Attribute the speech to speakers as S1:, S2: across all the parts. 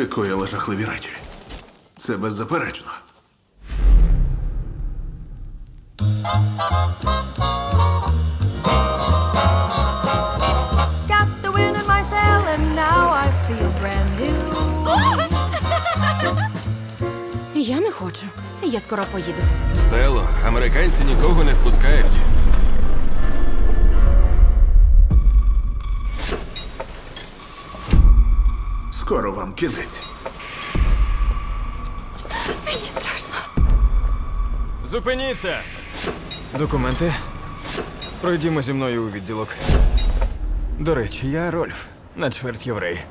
S1: коїла жахливі речі. Це беззаперечно.
S2: Got the wind in my sail and now I feel brand new.
S3: Я не хочу. Я скоро поїду.
S4: Стело, американці нікого не впускають.
S1: Скоро вам кінець.
S3: Мені страшно.
S5: Зупиніться! Документи. Пройдімо зі мною у відділок. До речі, я Рольф, на чверть єврей.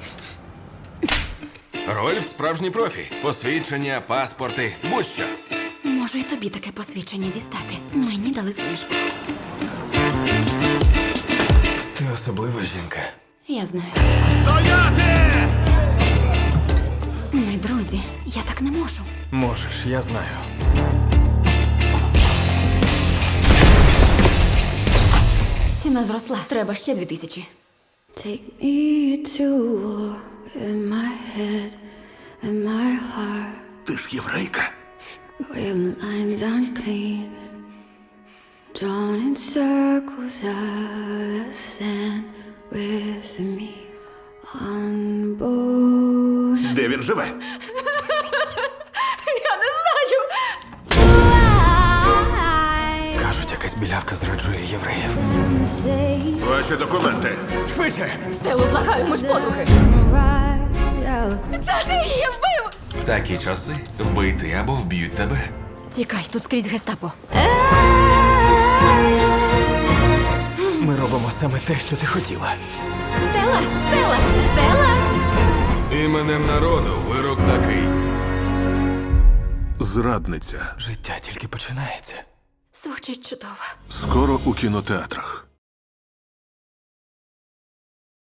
S4: Рольф справжній профі. Посвідчення, паспорти, будь-що.
S3: Можу і тобі таке посвідчення дістати. Мені дали знижку.
S5: Ти особлива жінка.
S3: Я знаю.
S1: Стояти!
S3: Ми друзі. Я так не можу.
S5: Можеш, я знаю.
S3: Ціна зросла. Треба ще 2000.
S2: Take me to war in my head and my heart.
S1: Ти ж єврейка.
S2: Where lines unclean, drawn in circles out of sand with me on board.
S1: Де він живе?
S3: Я не знаю.
S5: Кажуть, якась білявка зраджує євреїв.
S2: Say
S1: Ваші документи.
S5: Швидше!
S3: Стелу, благаю, ми ж подруги.
S2: right out.
S3: Це ти її вбив!
S4: Такі часи вбити або вб'ють тебе.
S3: Тікай, тут скрізь гестапо.
S5: Ми робимо саме те, що ти хотіла.
S3: Стела! Стела! Стела!
S4: Іменем народу вирок такий.
S1: Зрадниця.
S5: Життя тільки починається.
S3: Звучить чудово.
S1: Скоро у кінотеатрах.